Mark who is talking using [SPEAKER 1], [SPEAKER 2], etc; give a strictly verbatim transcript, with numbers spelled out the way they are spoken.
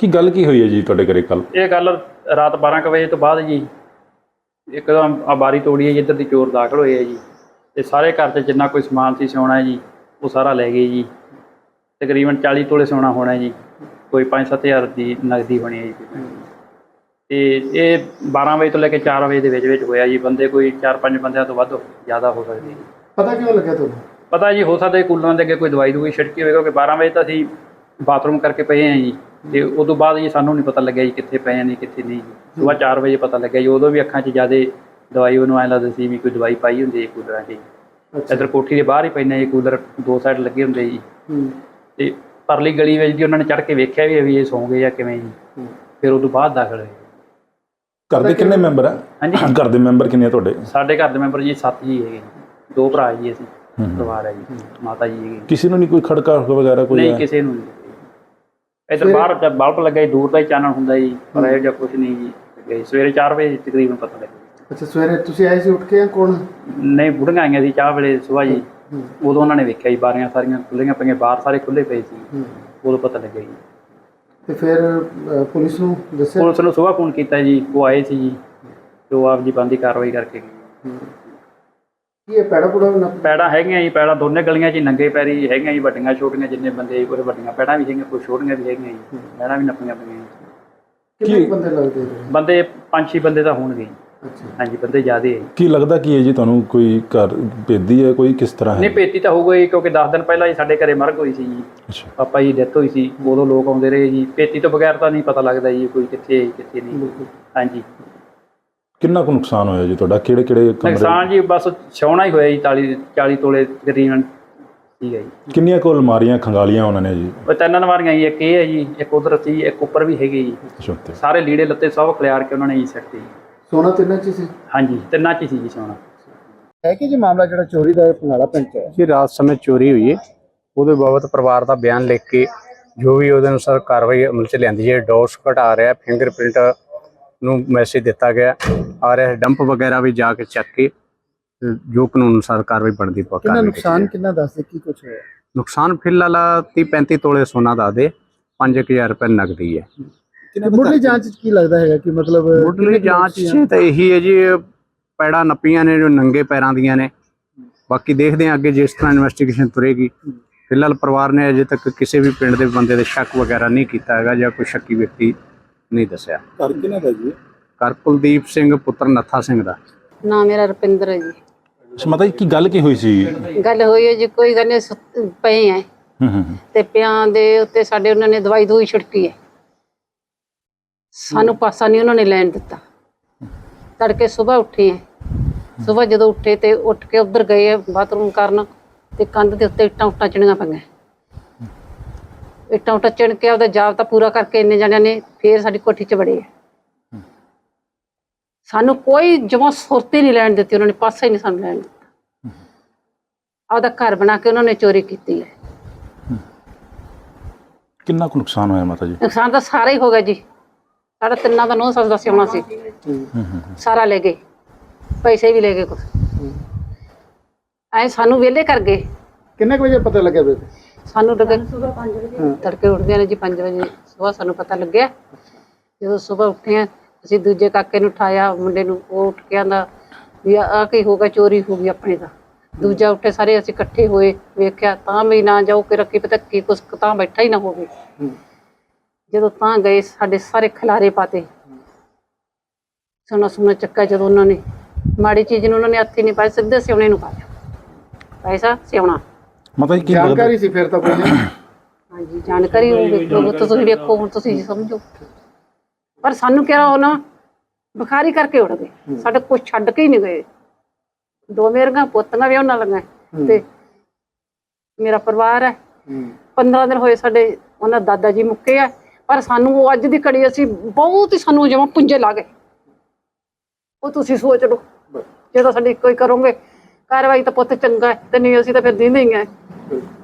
[SPEAKER 1] ਕੀ ਗੱਲ ਕੀ ਹੋਈ ਹੈ ਜੀ ਤੁਹਾਡੇ ਘਰੇ ਕੱਲ?
[SPEAKER 2] ਇਹ ਗੱਲ ਰਾਤ ਬਾਰਾਂ ਕੁ ਵਜੇ ਤੋਂ ਬਾਅਦ ਜੀ ਇੱਕਦਮ ਆ ਬਾਰੀ ਤੋੜੀ ਹੈ ਜੀ, ਇੱਧਰ ਦੀ ਚੋਰ ਦਾਖਲ ਹੋਏ ਹੈ ਜੀ ਤੇ ਸਾਰੇ ਘਰ 'ਚ ਜਿੰਨਾ ਕੋਈ ਸਮਾਨ ਸੀ ਸੋਨਾ ਜੀ ਉਹ ਸਾਰਾ ਲੈ ਗਏ ਜੀ। ਤਕਰੀਬਨ ਚਾਲੀ ਤੋਲੇ ਸੋਨਾ ਹੋਣਾ ਜੀ, ਕੋਈ ਪੰਜ ਸੱਤ ਹਜ਼ਾਰ ਦੀ ਨਗਦੀ ਹੋਣੀ ਹੈ ਜੀ। ਤੇ ਇਹ ਬਾਰਾਂ ਵਜੇ ਤੋਂ ਲੈ ਕੇ ਚਾਰ ਵਜੇ ਦੇ ਵਿੱਚ ਵਿੱਚ ਹੋਇਆ ਜੀ। ਬੰਦੇ ਕੋਈ ਚਾਰ ਪੰਜ ਬੰਦਿਆਂ ਤੋਂ ਵੱਧ ਜ਼ਿਆਦਾ ਹੋ ਸਕਦੇ ਜੀ।
[SPEAKER 3] ਪਤਾ ਕਿਉਂ ਲੱਗਿਆ ਤੁਹਾਨੂੰ?
[SPEAKER 2] ਪਤਾ ਜੀ ਹੋ ਸਕਦਾ ਕੂਲਰਾਂ ਦੇ ਅੱਗੇ ਕੋਈ ਦਵਾਈ ਦੂਈ ਛਿੜਕੀ ਹੋਵੇ, ਕਿਉਂਕਿ ਬਾਰਾਂ ਵਜੇ ਤਾਂ ਅਸੀਂ ਬਾਥਰੂਮ ਕਰਕੇ ਪਏ ਹਾਂ ਜੀ ਤੇ ਉਸ ਤੋਂ ਬਾਅਦ ਜੀ ਸਾਨੂੰ ਨਹੀਂ ਪਤਾ ਲੱਗਿਆ ਜੀ ਕਿੱਥੇ ਪਏ ਹਾਂ ਨਹੀਂ ਕਿੱਥੇ ਨਹੀਂ ਜੀ। ਸੁਬਾਹ ਚਾਰ ਵਜੇ ਪਤਾ ਲੱਗਿਆ ਜੀ। ਉਦੋਂ ਵੀ ਅੱਖਾਂ 'ਚ ਜ਼ਿਆਦਾ ਦਵਾਈ ਉਹਨੂੰ ਐਂ ਲੱਗਦਾ ਸੀ ਵੀ ਕੋਈ ਦਵਾਈ ਪਾਈ ਹੁੰਦੀ ਹੈ ਕੂਲਰਾਂ 'ਚ। ਇੱਧਰ ਕੋਠੀ ਦੇ ਬਾਹਰ ਹੀ ਪੈਂਦੇ ਜੀ ਕੂਲਰ, ਦੋ ਸਾਈਡ ਲੱਗੇ ਹੁੰਦੇ ਜੀ। ਤੇ ਪਰਲੀ ਗਲੀ ਵਿੱਚ ਜੀ ਉਹਨਾਂ ਨੇ ਚੜ੍ਹ ਕੇ ਵੇਖਿਆ ਵੀ ਵੀ ਇਹ ਸੌਂ ਗਏ ਜਾਂ ਕਿਵੇਂ ਜੀ। ਫਿਰ ਉਹ ਤੋਂ ਬਾਅਦ ਦਾਖਲ ਹੋਏ।
[SPEAKER 1] ਘਰ ਦੇ ਕਿੰਨੇ ਮੈਂਬਰ ਆ?
[SPEAKER 2] ਹਾਂਜੀ,
[SPEAKER 1] ਘਰ ਦੇ ਮੈਂਬਰ ਕਿੰਨੇ ਆ ਤੁਹਾਡੇ?
[SPEAKER 2] ਸਾਡੇ ਘਰ ਦੇ ਮੈਂਬਰ ਜੀ ਸੱਤ ਜੀ ਹੈਗੇ, ਦੋ ਭਰਾ ਜੀ ਅਸੀਂ ਪਰਿਵਾਰ ਹੈ ਜੀ, ਮਾਤਾ ਜੀ ਹੈਗੇ।
[SPEAKER 1] ਕਿਸੇ ਨੂੰ ਨਹੀਂ ਕੋਈ ਖੜਕਾ ਵਗੈਰਾ ਕੋਈ?
[SPEAKER 2] ਨਹੀਂ, ਕਿਸੇ ਨੂੰ ਨਹੀਂ। ਇੱਧਰ ਬਾਹਰ ਬਲਬ ਲੱਗਾ ਜੀ, ਦੂਰ ਦਾ ਹੀ ਚਾਨਣ ਹੁੰਦਾ ਜੀ, ਪਰ ਇਹੋ ਜਿਹਾ ਕੁਛ ਨਹੀਂ ਜੀ। ਸਵੇਰੇ ਚਾਰ ਵਜੇ ਤਕਰੀਬਨ ਪਤਾ ਲੱਗਿਆ।
[SPEAKER 3] ਅੱਛਾ, ਸਵੇਰੇ ਤੁਸੀਂ ਆਏ ਸੀ ਉੱਠ ਕੇ? ਕੌਣ?
[SPEAKER 2] ਨਹੀਂ, ਬੁੜੀਆਂ ਆਈਆਂ ਸੀ ਚਾਹ ਵੇਲੇ ਸੁਬਾਹ ਜੀ। ਉਦੋਂ ਉਹਨਾਂ ਨੇ ਵੇਖਿਆ ਜੀ ਬਾਰੀਆਂ ਸਾਰੀਆਂ ਖੁੱਲ੍ਹੀਆਂ ਪਈਆਂ, ਬਾਹਰ ਸਾਰੇ ਖੁੱਲ੍ਹੇ ਪਏ ਸੀ। ਉਦੋਂ ਪਤਾ ਲੱਗਿਆ ਜੀ।
[SPEAKER 3] ਤੇ ਫਿਰ ਪੁਲਿਸ ਨੂੰ ਦੱਸਿਆ?
[SPEAKER 2] ਪੁਲਿਸ ਨੂੰ ਸੁਬਾਹ ਫੋਨ ਕੀਤਾ ਜੀ, ਉਹ ਆਏ ਸੀ ਜੀ ਤੇ ਉਹ ਆਪ ਜੀ ਬਣਦੀ ਕਾਰਵਾਈ ਕਰਕੇ ਗਏ।
[SPEAKER 3] ਕੀ ਇਹ ਪੈੜਾ ਪੁੜਾ?
[SPEAKER 2] ਪੈੜਾਂ ਹੈਗੀਆਂ ਜੀ, ਪੈੜਾਂ ਦੋਨੇ ਗਲੀਆਂ 'ਚ ਨੰਗੇ ਪੈਰੀ ਹੈਗੀਆਂ ਜੀ, ਵੱਡੀਆਂ ਛੋਟੀਆਂ ਜਿੰਨੇ ਬੰਦੇ, ਕੋਈ ਵੱਡੀਆਂ ਪੈੜਾਂ ਵੀ ਹੈਗੀਆਂ, ਕੋਈ ਛੋਟੀਆਂ ਵੀ ਹੈਗੀਆਂ ਜੀ। ਪੈੜਾਂ ਵੀ ਨੱਪੀਆਂ ਪਈਆਂ।
[SPEAKER 3] ਕਿੰਨੇ ਬੰਦੇ ਲੱਗਦੇ?
[SPEAKER 2] ਬੰਦੇ ਪੰਜ ਛੇ ਬੰਦੇ ਤਾਂ ਹੋਣਗੇ। ਹਾਂਜੀ, ਬੰਦੇ ਜ਼ਿਆਦਾ ਹੈ।
[SPEAKER 1] ਕੀ ਲੱਗਦਾ ਕੀ ਹੈ ਜੀ ਤੁਹਾਨੂੰ? ਕੋਈ ਘਰ ਭੇਦੀ ਹੈ ਕੋਈ, ਕਿਸ ਤਰ੍ਹਾਂ ਹੈ?
[SPEAKER 2] ਨਹੀਂ, ਭੇਤੀ ਤਾਂ ਹੋਊਗਾ ਜੀ, ਕਿਉਂਕਿ ਦਸ ਦਿਨ ਪਹਿਲਾਂ ਹੀ ਸਾਡੇ ਘਰੇ ਮਰਗ ਹੋਈ ਸੀ ਜੀ। ਪਾਪਾ ਜੀ ਡੈਥ ਹੋਈ ਸੀ, ਉਦੋਂ ਲੋਕ ਆਉਂਦੇ ਰਹੇ ਜੀ। ਭੇਤੀ ਤੋਂ ਬਗੈਰ ਤਾਂ ਨਹੀਂ ਪਤਾ ਲੱਗਦਾ ਜੀ ਕੋਈ ਕਿੱਥੇ ਕਿੱਥੇ ਨਹੀਂ। ਹਾਂਜੀ।
[SPEAKER 1] ਕਿੰਨਾ ਕੁ ਨੁਕਸਾਨ ਹੋਇਆ ਜੀ ਤੁਹਾਡਾ? ਕਿਹੜੇ ਕਿਹੜੇ
[SPEAKER 2] ਨੁਕਸਾਨ ਜੀ ਬਸ ਛਾਉਣਾ ਹੀ ਹੋਇਆ ਜੀ। ਚਾਲੀ ਚਾਲੀ ਤੋਲੇ ਤਕਰੀਬਨ ਠੀਕ ਹੈ ਜੀ।
[SPEAKER 1] ਕਿੰਨੀਆਂ ਕੁ ਅਲਮਾਰੀਆਂ ਖੰਗਾਲੀਆਂ ਉਹਨਾਂ ਨੇ ਜੀ?
[SPEAKER 2] ਉਹ ਤਿੰਨ ਅਲਮਾਰੀਆਂ ਜੀ, ਇੱਕ ਇਹ ਹੈ ਜੀ, ਇੱਕ ਉਧਰ ਸੀ, ਇੱਕ ਉੱਪਰ ਵੀ ਹੈਗੀ ਜੀ। ਸਾਰੇ ਲੀੜੇ ਲੱਤੇ ਸਭ ਖਿਲਾਰ ਕੇ ਉਹਨਾਂ ਨੇ ਜੀ ਸੱਟੇ ਜੀ।
[SPEAKER 3] ਸੋਨਾ ਤਿੰਨਾਂ 'ਚ ਸੀ?
[SPEAKER 2] ਹਾਂਜੀ, ਤਿੰਨਾਂ 'ਚ ਹੀ ਸੀ ਜੀ ਸੋਨਾ।
[SPEAKER 3] ਹੈ ਕਿ ਜੀ ਮਾਮਲਾ ਜਿਹੜਾ ਚੋਰੀ ਦਾ ਪੰਗਾਲਾ ਪਿੰਡ 'ਚ ਹੈ
[SPEAKER 4] ਜੀ, ਰਾਤ ਸਮੇਂ ਚੋਰੀ ਹੋਈ ਹੈ, ਉਹਦੇ ਬਾਬਤ ਪਰਿਵਾਰ ਦਾ ਬਿਆਨ ਲਿਖ ਕੇ ਜੋ ਵੀ ਉਹਦੇ ਅਨੁਸਾਰ ਕਾਰਵਾਈ ਅਮਲ 'ਚ ਲਿਆਂਦੀ ਹੈ। ਡੋਸ ਘਟਾ ਰਿਹਾ, ਫਿੰਗਰਪ੍ਰਿੰਟ ਨੂੰ ਮੈਸੇਜ ਦਿੱਤਾ ਗਿਆ ਆ ਰਿਹਾ, ਡੰਪ ਵਗੈਰਾ ਵੀ ਜਾ ਕੇ ਚੱਕ ਕੇ ਜੋ ਕਾਨੂੰਨ ਅਨੁਸਾਰ ਕਾਰਵਾਈ ਬਣਦੀ ਪਾ।
[SPEAKER 3] ਕਿੰਨਾ ਨੁਕਸਾਨ ਕਿੰਨਾ ਦੱਸਦੇ, ਕੀ ਕੁਛ ਹੋਇਆ?
[SPEAKER 4] ਨੁਕਸਾਨ ਫਿਲਹਾਲ ਤੀਹ ਪੈਂਤੀ ਤੋਲੇ ਸੋਨਾ ਦੱਸਦੇ, ਪੰਜ ਕੁ ਹਜ਼ਾਰ ਰੁਪਏ ਨਗਦੀ ਹੈ।
[SPEAKER 3] ਮੁੱਢਲੀ ਜਾਂਚ 'ਚ ਕੀ ਲੱਗਦਾ ਹੈਗਾ ਕਿ ਮਤਲਬ?
[SPEAKER 4] ਮੁੱਢਲੀ ਜਾਂਚ 'ਚ ਤਾਂ ਇਹੀ ਹੈ ਜੀ, ਪੈੜਾਂ ਨੱਪੀਆਂ ਨੇ ਜੋ ਨੰਗੇ ਪੈਰਾਂ ਦੀਆਂ ਨੇ। ਬਾਕੀ ਦੇਖਦੇ ਹਾਂ ਅੱਗੇ ਜਿਸ ਤਰ੍ਹਾਂ ਇਨਵੈਸਟੀਗੇਸ਼ਨ ਤੁਰੇਗੀ। ਫਿਲਹਾਲ ਪਰਿਵਾਰ ਨੇ ਅਜੇ ਤੱਕ ਕਿਸੇ ਵੀ ਪਿੰਡ ਦੇ ਬੰਦੇ ਦੇ ਸ਼ੱਕ ਵਗੈਰਾ ਨਹੀਂ ਕੀਤਾ ਹੈਗਾ ਜਾਂ ਕੋਈ ਸ਼ੱਕੀ ਵਿਅਕਤੀ ਨਹੀਂ ਦੱਸਿਆ।
[SPEAKER 1] ਘਰ ਕਿਹਨਾਂ ਦਾ ਜੀ?
[SPEAKER 4] ਘਰ ਕੁਲਦੀਪ ਸਿੰਘ ਪੁੱਤਰ ਨੱਥਾ ਸਿੰਘ ਦਾ।
[SPEAKER 5] ਨਾ ਮੇਰਾ ਰੁਪਿੰਦਰ ਹੈ ਜੀ।
[SPEAKER 1] ਮਾਤਾ ਜੀ ਕੀ ਗੱਲ ਕੀ ਹੋਈ ਸੀ?
[SPEAKER 5] ਗੱਲ ਹੋਈ ਹੈ ਜੀ, ਕੋਈ ਗੱਲ ਨਹੀਂ, ਪਏ ਹੈ ਤੇ ਪਿਆਂ ਦੇ ਉੱਤੇ ਸਾਡੇ ਉਹਨਾਂ ਨੇ ਦਵਾਈ ਦੂਈ ਛਿੜਕੀ ਹੈ। ਸਾਨੂੰ ਪਾਸਾ ਨਹੀਂ ਉਹਨਾਂ ਨੇ ਲੈਣ ਦਿੱਤਾ। ਤੜਕੇ ਸੁਬਾਹ ਉੱਠੇ ਹੈ, ਸੁਬਾਹ ਜਦੋਂ ਉੱਠੇ ਤੇ ਉੱਠ ਕੇ ਉੱਧਰ ਗਏ ਹੈ ਬਾਥਰੂਮ ਕਰਨ, ਤੇ ਕੰਧ ਦੇ ਉੱਤੇ ਇੱਟਾਂ ਉੱਟਾਂ ਚਿਣੀਆਂ ਪਈਆਂ। ਇੱਟਾਂ ਉੱਟਾਂ ਚਿਣ ਕੇ ਉਹਦਾ ਜਾਬਤਾ ਪੂਰਾ ਕਰਕੇ ਇੰਨੇ ਜਣਿਆਂ ਨੇ ਫੇਰ ਸਾਡੀ ਕੋਠੀ 'ਚ ਵੜੇ ਹੈ। ਸਾਨੂੰ ਕੋਈ ਜਮਾਂ ਸੁਰਤੀ ਨਹੀਂ ਲੈਣ ਦਿੱਤੀ ਉਹਨਾਂ ਨੇ, ਪਾਸਾ ਹੀ ਨਹੀਂ ਸਾਨੂੰ ਲੈਣ ਦਿੱਤਾ। ਆਪਦਾ ਘਰ ਬਣਾ ਕੇ ਉਹਨਾਂ ਨੇ ਚੋਰੀ ਕੀਤੀ ਹੈ।
[SPEAKER 1] ਕਿੰਨਾ ਕੁ ਨੁਕਸਾਨ ਹੋਇਆ ਮਾਤਾ ਜੀ?
[SPEAKER 5] ਨੁਕਸਾਨ ਤਾਂ ਸਾਰਾ ਹੀ ਹੋ ਗਿਆ ਜੀ। ਸਾਡਾ ਤਿੰਨਾਂ ਦਾ ਨੌ ਸੱਸ ਦਾ ਸਿਉਣਾ ਸੀ, ਸਾਰਾ ਲੈ ਗਏ, ਪੈਸੇ ਵੀ ਲੈ ਗਏ ਕੁਛ। ਐ ਸਾਨੂੰ ਵਿਹਲੇ ਕਰ ਗਏ।
[SPEAKER 3] ਕਿੰਨੇ ਕੁ ਵਜੇ ਪਤਾ ਲੱਗਿਆ ਬੇਬੇ?
[SPEAKER 5] ਸਾਨੂੰ ਲੱਗੇ ਤੜਕੇ ਉੱਠਦੇ ਨੇ ਜੀ ਪੰਜ ਵਜੇ ਸੁਬਾਹ ਸਾਨੂੰ ਪਤਾ ਲੱਗਿਆ। ਜਦੋਂ ਸੁਬਾਹ ਉੱਠੇ ਆ ਅਸੀਂ ਦੂਜੇ ਕਾਕੇ ਨੂੰ ਉਠਾਇਆ, ਮੁੰਡੇ ਨੂੰ, ਉਹ ਉੱਠ ਕੇ ਆਂਦਾ ਵੀ ਆਹ ਕੀ ਹੋ ਗਿਆ, ਚੋਰੀ ਹੋ ਗਈ ਆਪਣੇ ਦਾ। ਦੂਜਾ ਉੱਠੇ, ਸਾਰੇ ਅਸੀਂ ਇਕੱਠੇ ਹੋਏ, ਵੇਖਿਆ ਤਾਂ ਵੀ ਨਾ ਜਾਓ ਕਿ ਰੱਖੀ ਪਤਾ ਕੀ ਕੁਛ ਤਾਂ ਬੈਠਾ ਹੀ ਨਾ ਹੋਵੇ। ਜਦੋਂ ਤਾਂ ਗਏ ਸਾਡੇ ਸਾਰੇ ਖਿਲਾਰੇ ਪਾਤੇ, ਸੋਨਾ ਸੁਨਾ ਚੱਕਾ। ਜਦੋਂ ਉਹਨਾਂ ਨੇ ਮਾੜੀ ਚੀਜ਼ ਨੂੰ ਉਹਨਾਂ ਨੇ ਹੱਥ ਹੀ ਨਹੀਂ ਪਾਇਆ, ਸਿੱਧੇ ਸਿਉਣੇ ਨੂੰ ਪਾਇਆ, ਪੈਸਾ ਸਿਉਣਾ।
[SPEAKER 1] ਮਾਤਾ ਜੀ ਕੀ
[SPEAKER 3] ਜਾਣਕਾਰੀ ਸੀ ਫਿਰ ਤਾਂ ਕੋਈ?
[SPEAKER 5] ਹਾਂਜੀ, ਜਾਣਕਾਰੀ ਹੋਊਗੀ, ਤੁਸੀਂ ਵੇਖੋ ਹੁਣ, ਤੁਸੀਂ ਸਮਝੋ। ਪਰ ਸਾਨੂੰ ਕਿਹਾ ਉਹ ਨਾ ਬੁਖਾਰੀ ਕਰਕੇ ਉੱਡ ਗਏ, ਸਾਡੇ ਕੁਛ ਛੱਡ ਕੇ ਹੀ ਨਹੀਂ ਗਏ। ਦੋ ਮੇਰੀਆਂ ਪੋਤੀਆਂ ਵੀ ਉਹਨਾਂ ਲੰਗਾ ਤੇ ਮੇਰਾ ਪਰਿਵਾਰ ਹੈ। ਪੰਦਰਾਂ ਦਿਨ ਹੋਏ ਸਾਡੇ ਉਹਨਾਂ ਦਾਦਾ ਜੀ ਮੁੱਕੇ ਆ, ਪਰ ਸਾਨੂੰ ਉਹ ਅੱਜ ਦੀ ਘੜੀ ਅਸੀਂ ਬਹੁਤ ਹੀ ਸਾਨੂੰ ਜਮਾਂ ਪੁੰਜੇ ਲਾ ਗਏ। ਉਹ ਤੁਸੀਂ ਸੋਚ ਲਓ, ਜੇ ਤਾਂ ਸਾਡੀ ਕੋਈ ਕਰੋਗੇ ਕਾਰਵਾਈ ਤਾਂ ਪੁੱਤ ਚੰਗਾ ਹੈ, ਤੇ ਨਹੀਂ ਅਸੀਂ ਤਾਂ ਫਿਰ ਦਿੰਦੇ ਹੀ ਆ।